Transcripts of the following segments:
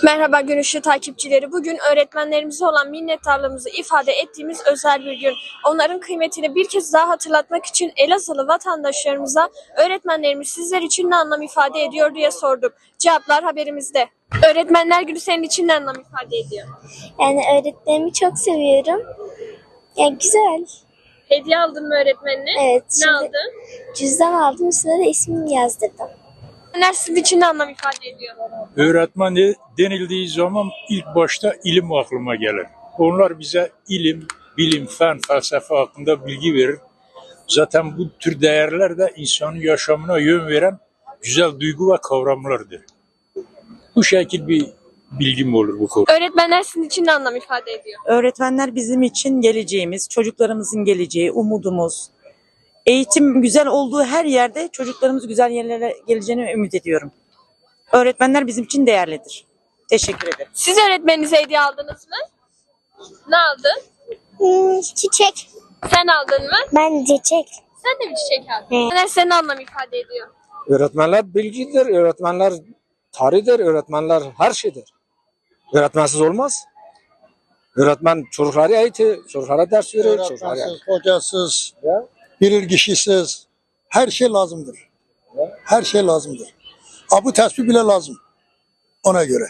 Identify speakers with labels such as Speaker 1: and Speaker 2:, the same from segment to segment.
Speaker 1: Merhaba Gönüşlü takipçileri. Bugün öğretmenlerimize olan minnettarlığımızı ifade ettiğimiz özel bir gün. Onların kıymetini bir kez daha hatırlatmak için Elazığlı vatandaşlarımıza öğretmenlerimiz sizler için ne anlam ifade ediyor diye sorduk. Cevaplar haberimizde. Öğretmenler Günü senin için ne anlam ifade ediyor?
Speaker 2: Yani öğretmenimi çok seviyorum. Yani güzel.
Speaker 1: Hediye aldın mı öğretmenine?
Speaker 2: Evet.
Speaker 1: Ne
Speaker 2: Şimdi
Speaker 1: aldın?
Speaker 2: cüzdan aldım, üstüne de ismimi yazdırdım.
Speaker 1: Öğretmenler sizin için ne anlam ifade ediyor?
Speaker 3: Öğretmen denildiği zaman ilk başta ilim aklıma gelir. Onlar bize ilim, bilim, fen, felsefe hakkında bilgi verir. Zaten bu tür değerler de insanın yaşamına yön veren güzel duygu ve kavramlardır. Bu şekil bir bilgim olur bu konuda.
Speaker 1: Öğretmenler sizin için ne anlam ifade ediyor?
Speaker 4: Öğretmenler bizim için geleceğimiz, çocuklarımızın geleceği, umudumuz. Eğitim güzel olduğu her yerde çocuklarımız güzel yerlere geleceğini ümit ediyorum. Öğretmenler bizim için değerlidir. Teşekkür ederim.
Speaker 1: Siz öğretmeninize hediye aldınız mı? Ne aldın?
Speaker 2: Çiçek.
Speaker 1: Sen aldın mı?
Speaker 2: Ben çiçek.
Speaker 1: Sen de bir çiçek aldın. Öğretmenler senin anlam ifade ediyor.
Speaker 5: Öğretmenler bilgidir, öğretmenler tarihtir, öğretmenler her şeydir. Öğretmensiz olmaz. Öğretmen çocukları eğitir, çocuklara ders verir.
Speaker 6: Öğretmensiz, hocasız, bilirkişisiz her şey lazımdır. Her şey lazımdır. Bu tespih bile lazım ona göre.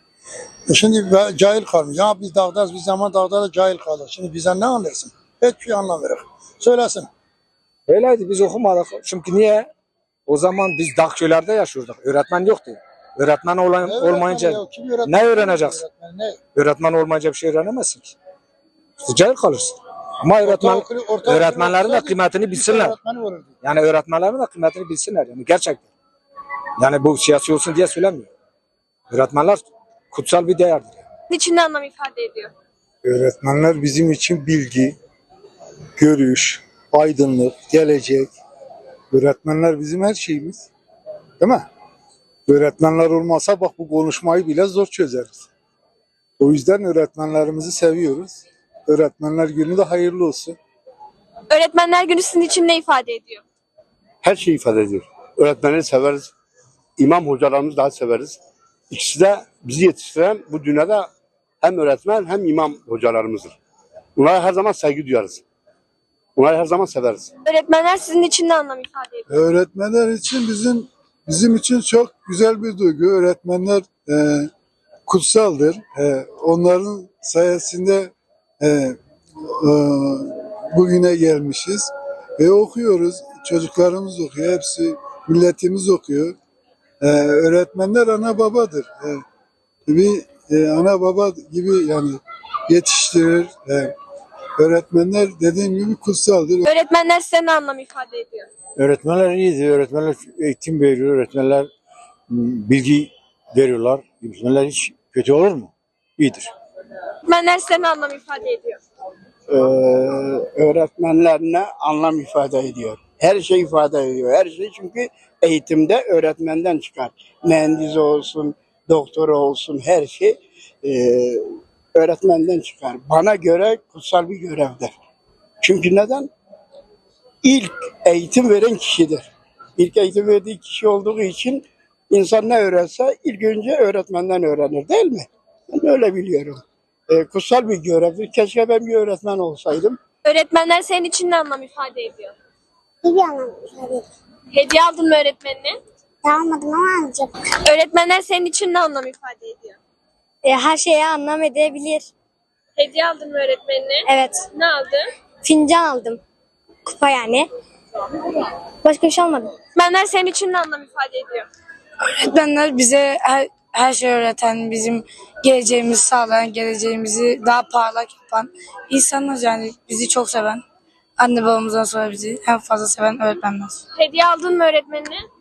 Speaker 6: Şimdi cahil kalmış. Ya biz dağdayız, biz zaman dağda da cahil kaldık. Şimdi bizden ne anlarsın? Hiçbir şey anlamıyoruz. Söylesin.
Speaker 5: Öyleydi, biz okumadık. Çünkü niye? O zaman biz dağ köylerde yaşıyorduk. Öğretmen yoktu. Öğretmen olmayınca ne öğreneceksin? Öğretmen olmayınca bir şey öğrenemezsin ki. İşte cahil kalırsın. Ama öğretmenlerin de kıymetini bilsinler. Yani öğretmenlerin de kıymetini bilsinler. Yani gerçekten. Yani bu siyasi olsun diye söylemiyor. Öğretmenler kutsal bir değerdir.
Speaker 1: Sizin için ne anlam ifade ediyor?
Speaker 6: Öğretmenler bizim için bilgi, görüş, aydınlık, gelecek. Öğretmenler bizim her şeyimiz. Değil mi? Öğretmenler olmasa bak bu konuşmayı bile zor çözeriz. O yüzden öğretmenlerimizi seviyoruz. Öğretmenler Günü de hayırlı olsun.
Speaker 1: Öğretmenler Günü sizin için ne ifade ediyor?
Speaker 7: Her şeyi ifade ediyor. Öğretmenleri severiz. İmam hocalarımızı daha severiz. İkisi de bizi yetiştiren bu dünyada hem öğretmen hem imam hocalarımızdır. Onlara her zaman saygı duyarız. Onları her zaman severiz.
Speaker 1: Öğretmenler sizin için ne anlam ifade ediyor?
Speaker 6: Öğretmenler için bizim için çok güzel bir duygu. Öğretmenler kutsaldır. Onların sayesinde bugüne gelmişiz. Okuyoruz. Çocuklarımız okuyor. Hepsi milletimiz okuyor. Öğretmenler ana babadır. Bir ana baba gibi yani yetiştirir. Öğretmenler dediğim gibi kutsaldır.
Speaker 1: Öğretmenler size ne anlam ifade ediyor?
Speaker 8: Öğretmenler iyidir. Öğretmenler eğitim veriyor. Öğretmenler bilgi veriyorlar. Öğretmenler hiç kötü olur mu? İyidir.
Speaker 1: Öğretmenler size ne anlam ifade ediyor?
Speaker 9: Öğretmenler ne anlam ifade ediyor? Her şey ifade ediyor. Her şey çünkü eğitimde öğretmenden çıkar. Mühendis olsun, doktor olsun her şey öğretmenden çıkar. Bana göre kutsal bir görevdir. Çünkü neden? İlk eğitim veren kişidir. İlk eğitim verdiği kişi olduğu için insan ne öğrense ilk önce öğretmenden öğrenir değil mi? Ben öyle biliyorum. Kutsal bir görevdir. Keşke ben bir öğretmen olsaydım.
Speaker 1: Öğretmenler senin için ne anlam ifade ediyor?
Speaker 2: İyi bir anlam ifade ediyor.
Speaker 1: Hediye aldın mı öğretmenine?
Speaker 2: Almadım ama alacağım.
Speaker 1: Öğretmenler senin için ne anlam ifade ediyor?
Speaker 2: Her şeye anlam edebilir.
Speaker 1: Hediye aldın mı öğretmenine?
Speaker 2: Evet.
Speaker 1: Ne aldın?
Speaker 2: Fincan aldım. Kupa yani. Başka bir şey almadım.
Speaker 1: Öğretmenler senin için ne anlam ifade ediyor?
Speaker 10: Öğretmenler bize her şeyi öğreten, bizim geleceğimizi sağlayan, geleceğimizi daha parlak yapan insanlar yani bizi çok seven, anne babamızdan sonra bizi en fazla seven öğretmenler.
Speaker 1: Hediye aldın mı öğretmenine?